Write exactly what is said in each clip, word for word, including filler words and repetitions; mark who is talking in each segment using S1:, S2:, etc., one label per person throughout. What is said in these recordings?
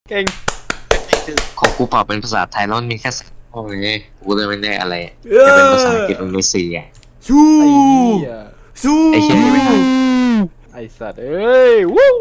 S1: เก่ง
S2: ของกูเปล่าเป็นภาษาไทยแล้วมันมีแค่สามข้อไงกูเลยไม่ได้อะไร
S3: เอ
S2: จะเป็น
S3: อ
S2: ภาษาอังกฤษมันมีสี่ไง
S3: สู้
S1: ไอ้เหี้ย
S3: สู้
S2: ไอ้เหี้ยนี่ไม่ได้
S1: ไอ้สัตว์เอ้ยวู้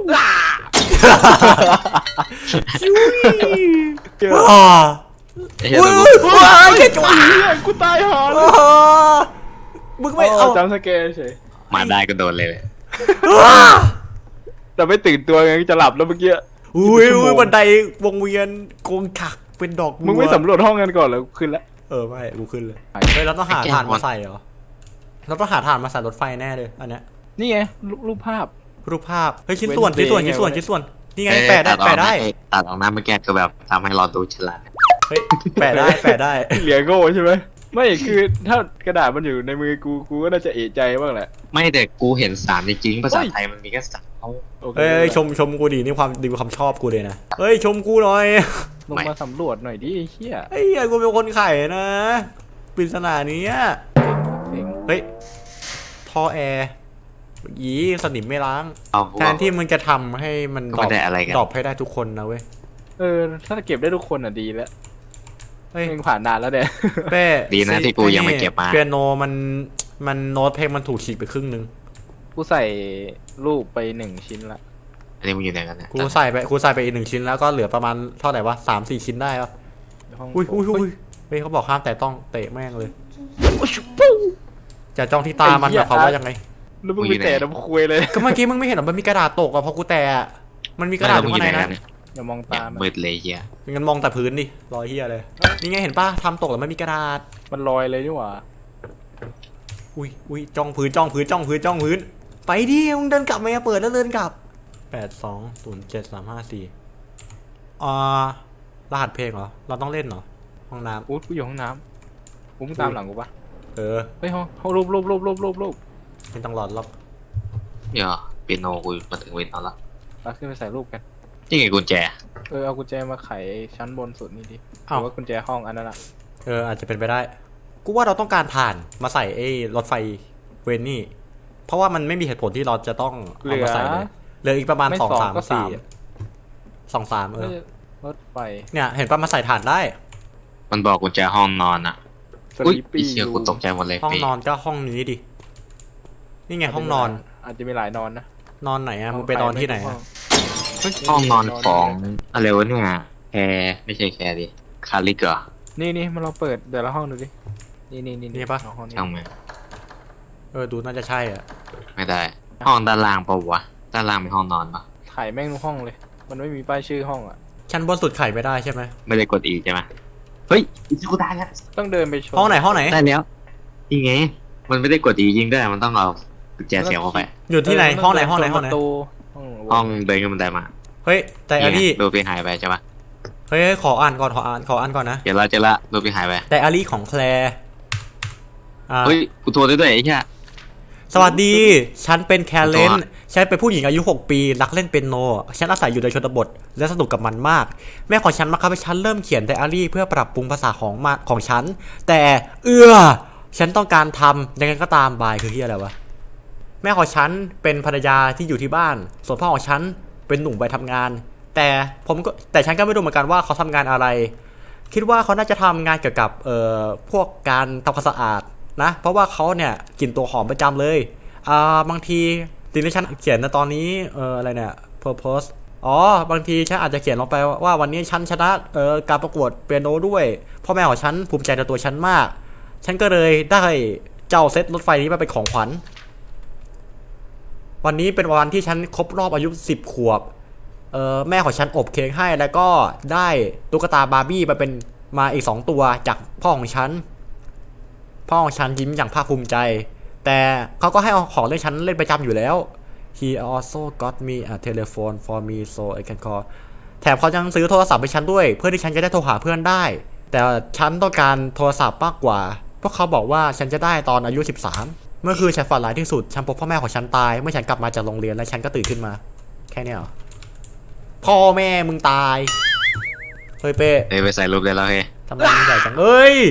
S3: สู้
S1: เจอ
S3: ว้า
S2: ไอ้เหี้ย
S3: อุ้ย
S2: ตัวกู
S3: ว้ายแค่จังหวะ
S1: เหี้ยกูตายหาเล
S3: อ้
S1: ย
S3: มึงไม่เอา
S1: จำสแกนเฉย
S2: มาได้ก็โดนเลย
S3: ว้า
S1: แต่ไม่ตื่นตัวไงจะหลับแล้วเมื่อกี้
S3: อุ้ยอุ้ยบันไดวงเวียนโกงขักเป็นดอกบัว
S1: มึงไม่สำรวจห้องกันก่อนเหรอขึ้นแล้ว
S3: เออไม่กูขึ้นเลยเฮ้ยเราต้องหาถ่านมาใส่เหรอเราต้องหาถ่านมาใส่รถไฟแน่เลยอันเนี้ย
S1: นี่ไงรูปรูปภาพ
S3: รูปภาพเฮ้ยชิ้นส่วน
S1: Wednesday
S3: ชิ้นส่วน
S1: ไง
S3: ชิ้นส่วน
S1: วะ
S3: ชิ้นส่วนนี่ไง
S2: เอ้ย
S3: แปะได้
S2: ตัออก
S3: แปะได้
S2: นะตัดออกนะเมื่อกี้ก็แบบทำให้เราดูฉลาด
S3: เฮ้ยแปะได้แปะได้
S1: เหลียโง่ใช่ไหมไม่คือถ้ากระดาษมันอยู่ในมือกูกูก็น่าจะเอะใจบ้างแหละ
S2: ไม่แต่กูเห็นสามจริงๆภาษา
S1: เฮ้ย
S2: ไทยมันมีแค่สามข้อ
S1: โอเค
S3: เฮ้ยชมชมกูดีนี่ความดีความชอบกูเลยนะเฮ้ยชมกูหน่อย
S1: ลงมาสำรวจหน่อยดิไอ้เหี้ย
S3: ไอ้เหี้ยกูเป็นคนไข่นะปริศนานี้อะ
S1: เก่ง
S3: เฮ้ยท่อแอร์ยีสนิมไม่ล้าง
S2: เอา
S3: แทนที่มึงจะทำให้มัน
S2: ก็ไม่ได้อะไรกัน
S3: ดรอปให้ได้ทุกคนนะเว้ย
S1: เออถ้าเก็บได้ทุกคนอ่ะดีแล้ว
S3: เฮ้ย
S1: มึงผ่านนานแล้วเนี่ย
S3: เป้
S2: ดีนะที่กูยังไม่เก็บมา
S3: เปียโนมันมันโน้ตเพลงมันถูกฉีกไปครึ่งนึง
S1: กูใส่รูปไปหนึ่งชิ้นละ
S2: อันนี้มึงอยู่ไหนกันนะ
S3: กูใส่ไปกูใส่ไปอีกหนึ่งชิ้นแล้วก็เหลือประมาณเท่าไหร่วะสามสี่ชิ้นได้ปะ
S1: ห้อง
S3: อุ้ยอุ้ยอุ้ยเฮ้ยเขาบอกห้ามแต่ต้องเตะแม่งเลยจะจ้องที่ตามันนะเขามว่ายังไง
S1: แล้วมึงไปแตะน้ำคุยเลย
S3: ก็เมื่อกี้มึงไม่เห็นหรอมันมีกระดาษตกอะพอกูแตะอะมันมีกระดาษอยู่
S2: มึงอ
S3: ข้าง
S2: ยู่
S3: ใน
S2: ไหน
S3: นะ
S2: กันเนี่ย
S1: อย่ามอง
S2: อย่า
S1: ตาม
S2: มืดเลยเฮีย
S3: งั้นมองแต่พื้นดิรอยเฮียเลยนี่ไงเห็นป่ะทำตกแล้วไม่มีกระดาษ
S1: มันลอยเลยนี่หว่า
S3: อุ้ยอุ้ยจ้องพื้นจ้องพื้นจ้องพื้นจ้องพื้นไปดิมึงเดินกลับมาเปิดแล้วเดินกลับแปดสองศูนย์เจ็ดสามห้าสี่อ่ารหัสเพลงเหรอเราต้องเล่นเหรอห้องน้
S1: อู้กูอยู่ห้องน้ำกูมึงตามหลังกูปะ
S3: ำเออ
S1: เฮ้ยห้องห้องรูปรูปรูปรูปรูปรูป
S3: ไม่ต้องรอดหรอก
S2: เดี๋ยวเปียโนกูมาถึงเวนเอาละ
S1: มาขึ้นไปใส่รูปกัน
S2: นี่ไงกุญแจ
S1: เออเอากุญแจมาไขชั้นบนสุดนี่ดิห
S3: เอ้า
S1: รือว่ากุญแจห้องอันนั้นอะ
S3: เอออาจจะเป็นไปได้ กูว่าเราต้องการถ่านมาใส่ไอ้รถไฟเวนนี่ เพราะว่ามันไม่มีเหตุผลที่เราจะต้อง
S1: เห
S3: เอา
S1: ลือ
S3: มาใส่เลยเหลืออีกประมาณ
S1: ไม่
S3: สอง
S1: สอง
S3: สาม
S1: ก็
S3: สี่
S1: สาม
S3: สองสามเออ
S1: รถไฟ
S3: เนี่ยเห็นป่ะมาใส่ถ่านได้
S2: มันบอกกุญแจห้องนอนอ่ะ
S1: ส
S2: อุ้ย
S1: ลีป
S2: ไอ้
S1: ปี้
S2: เชี่ยกูตกใจหมดเลย
S3: ห้อง
S2: ปี
S3: นอนก็ห้องนี้ดิ นี่ไงห้องนอน
S1: อาจจะมีหลายนอนนะ
S3: นอนไหนอะมึงไปนอนที่ไหนอะ
S2: ห้องนอนของอะไรวะเนี่ยแคร์ไม่ใช่แคร์ดิคาริกเหรอ
S1: นี่นี่มาลองเปิดแต่ละห้องดูดินี่นี่นี่
S3: นี่ปะ
S1: ห้องนี้
S2: ช่างมัน
S3: เออดูน่าจะใช่อ่ะ
S2: ไม่ได้ ห้องด้านล่างปะวะด้านล่างเป็นห้องนอนปะ
S1: ถ่ายแม่งทุกห้องเลย มันไม่มีป้ายชื่อห้องอ่ะ
S3: ชั้นบนสุดไข่ไม่ได้ใช่ไหม
S2: ไม่ได้กดอีใช่ไหมเฮ้ยอีกูได้แล้ว
S1: ต้องเดินไปชม
S3: ห้องไหนห้องไหน
S2: ได้แล้วนี่ไงมันไม่ได้กดอียิงได้มันต้องเอากุญแจเสียบเข้าไป
S3: อยู่ที่ไหน
S1: เ
S3: ห้องไหนห้องไหนห้องไหน
S1: ประตูห้อง
S2: ห้องเดินขึ้นบันไดมา
S3: เฮ้ยแต่อา
S2: นี่
S3: รี่
S2: ไงรูปพี่หายไปใช่ปะ
S3: เฮ้ยขออ่านก่อนขออ่านขออ่านก่อนนะ
S2: เดี๋ยวเราจะละรูปพี่หายไป
S3: แต่อารี่ของแคลร์อ่า
S2: เฮ้ยกูโทรได้ด้วยไอ้เหี้ย
S3: สวัสดี ฉันเป็นแคลเลนฉันเป็นผู้หญิงอายุหกปีรักเล่นเปียโน ฉันอาศัยอยู่ในชนบทและสนุกกับมันมาก แม่ของฉันบังคับให้ฉันเริ่มเขียนไดอารี่เพื่อปรับปรุงภาษาของมาของฉัน แต่เอื้อฉันต้องการทำยังไงก็ตามบายคือที่อะไรวะ แม่ของฉันเป็นภรรยาที่อยู่ที่บ้าน ส่วนพ่อของฉันเป็นหนุ่มไปทำงาน แต่ผมก็แต่ฉันก็ไม่รู้เหมือนกันว่าเขาทำงานอะไร คิดว่าเขาน่าจะทำงานเกี่ยวกับเอ่อพวกการทำความสะอาดนะ เพราะว่าเขาเนี่ยกลิ่นตัวหอมประจำเลยอ่าบางทีสิ่งที่ฉันเขียนในตอนนี้เอ่ออะไรเนี่ย purpose อ๋อบางทีฉันอาจจะเขียนลงไปว่าวันนี้ฉันชนะเอ่อการประกวดเปียโนด้วยพ่อแม่ของฉันภูมิใจในตัวฉันมาก ฉันก็เลยได้เจ้าเซตรถไฟนี้มาเป็นของขวัญ วันนี้เป็นวันที่ฉันครบรอบอายุสิบขวบเออแม่ของฉันอบเค้กให้แล้วก็ได้ตุ๊กตาบาร์บี้มาเป็นมาอีกสองตัวจากพ่อของฉันพ่อของฉันยิ้มอย่างภาคภูมิใจแต่เขาก็ให้เอาของเล่นฉันเล่นประจำอยู่แล้ว He also got me a telephone for me so I can call แถมเขายังซื้อโทรศัพท์ให้ฉันด้วยเพื่อที่ฉันจะได้โทรหาเพื่อนได้แต่ฉันต้องการโทรศัพท์มากกว่าเพราะเขาบอกว่าฉันจะได้ตอนอายุสิบสามเมื่อคืนฉันฝันร้ายที่สุดฉันพบพ่อแม่ของฉันตายเมื่อฉันกลับมาจากโรงเรียนและฉันก็ตื่นขึ้นมาแค่นี้เหรอพ่อแม่มึงตายเฮ้ยเป้
S2: เฮ้ยไปใส่รูปได้แล้วเฮ้ย
S3: ทำไมมึงใหญ่จังเอ้ย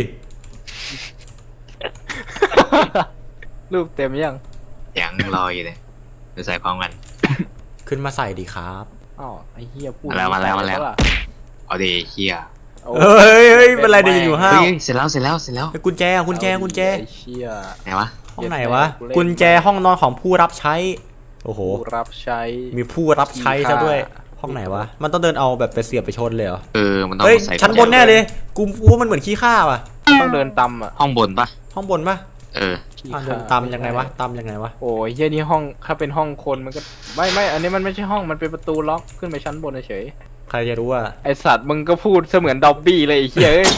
S1: รูปเต็มยัง
S2: ยังรออยู่เลยไปใส่พร้อมกัน
S3: ขึ้นมาใส่ดีครับ
S1: อ้าวไอ้เหี้ยพูด
S2: มาแล้วมาแล้วมาแล้ว
S1: ปะะ
S2: เอาดิเฮีย
S1: โอ้
S3: เฮ้ยเฮ้ยเป็นไรเดี๋ยวอยู่ห้า
S2: เฮ้
S3: วย
S2: เสร็จแล้วเสร็จแล้วเสร็จแล้ว
S3: ไอ้กุญแจกุญแจกุญแจ
S1: ไอ้เชี่ย
S2: ไหนวะ
S3: ห้องไหนวะกุญแจห้องนอนของผู้รับใช้โอ้โห
S1: ผู้รับใช้
S3: มีผู้รับใช้ซะด้วยห้องไหนวะมันต้องเดินเอาแบบไปเสียบไปชนเลยเหรอ
S2: เออมันต้อง
S3: เฮ้ย
S2: ใส่
S3: ชั้นบนแน่เลยกูว่ามันเหมือนขี้ข้าว่ะ
S1: ต้องเดินตำอ่ะ
S2: ห้องบนปะ
S3: ห้องบนปะ
S2: เออ
S3: อ่ะเดินตำยังไงวะตำยังไงวะ
S1: โอ้ยเหี้ยนี่ห้องถ้าเป็นห้องคนมันก็ไม่ไม่อันนี้มันไม่ใช่ห้องมันเป็นประตูล็อกขึ้นไปชั้นบนเฉย
S3: ใครจะรู้ว่า
S1: ไอสัตว์มึงก็พูดเสมือนดอบบี้เลยไอ้เหี้ยเอ้ย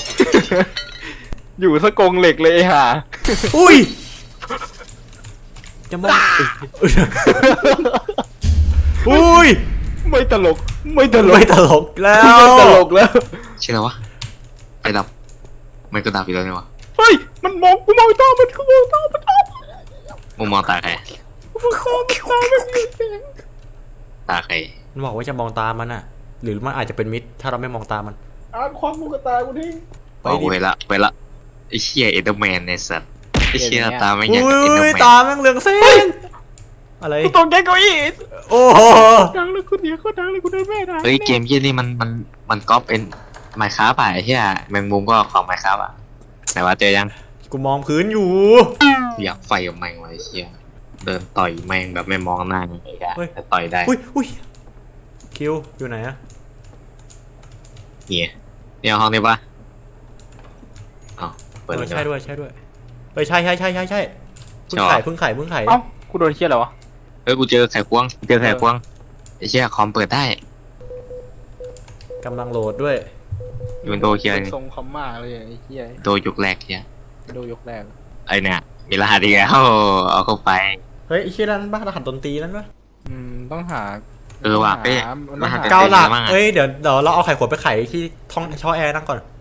S1: อยู่สะกงเหล็กเลยไอ้ห่า
S3: อุ้ยจะมองอุ้ย
S1: ไม่ตลกไม่ตลก
S3: ไม่ตลกแล้ว
S1: ไม่ตลกแล้ว
S2: ชื่ออะไรวะไปดับไม่ก็ดับอีกแล้วเนี่ยวะ
S1: เฮ้ยมันมองกูมองตามันกูมองตามันตา
S2: มุมมองตาใคร
S1: กูมองตามันตามันมีเสียง
S2: ตาใคร
S3: มันบอกว่าจะมองตามันอ่ะ หรือมันอาจจะเป็นมิตรถ้าเราไม่มองตามัน
S1: อ่านความมูกตากูทิ้ง
S3: ไป
S2: เอา
S3: ดิ
S2: ไปละไปละไอ้เชี่ยเอเดอร์แมนในสัตว์ไอ้เชี่ยตาไม่
S3: อุ
S2: อยากกับเอเดอ้
S3: ย
S2: ร์แม
S3: ตาน แม่งเหลืองเส้นอะไร
S1: กูตกใจเก้าอี้
S3: โอ้โห
S1: ดังเลยกูเสียงก็ดังเลยกูเดินไม่ได้
S2: เฮ้ยเกมเยี่ยนี่มันมันมันก๊อปเป็นไมค์คราฟอ่ะไอ้เชี่ยแมงมุมก็ของไมค์คราฟอ่ะไหนว่าเจอยัง
S3: กูมองพื้นอยู่
S2: อยากไฟกับแมงไว้เชี่ยเดินต่อยแมงแบบไม่มองหน้านี่ไอ้กะแต่ต่อยได้
S3: อุ้ยอุ้ยคิวอยู่ไหนอะ
S2: เนี่ยเนี่ยห้องนี้ปะอ๋อเปิด
S3: เอ
S2: เล
S3: อย ใช่ด้วยใช่ด้วยเออใช่ใช่ใช่ใช่ใช่เพิ่ง
S2: ใช่
S3: ไข่
S2: หรอ
S3: เพิ่งไข่เพิ่งไข่
S1: เอ้ากูโดนเชี่ยอะไรวะ
S2: เฮ้ยกูเจอไข่ควงเจอไข่ควงไอ้เชี่ยคอมเปิดได้
S3: กำลังโหลดด้วย
S2: ยูนโดเคียร์
S1: ทรงคอมมากเลยไอ้เหี้ย
S2: โดยุคแรกเคีย
S1: ดูยกแรก
S2: ไอเนี่ยมีรหัสอีกแล้วเอาเข้าไป
S3: เฮ้ยไอ้เชี่ยนั่นปะรหัสดนตรีนั่นปะ
S1: อืมต้องหา
S2: เออว่ะเอ้ย
S1: มันต้องหา
S2: รหัส
S3: เกาหลัก
S2: เป็นไงบ้างอะ
S3: เอ้ยเดี๋ยวเดี๋ยวเราเอาไข่ขวดไปไข่ที่ท้องช่อแอร์นั่งก่อน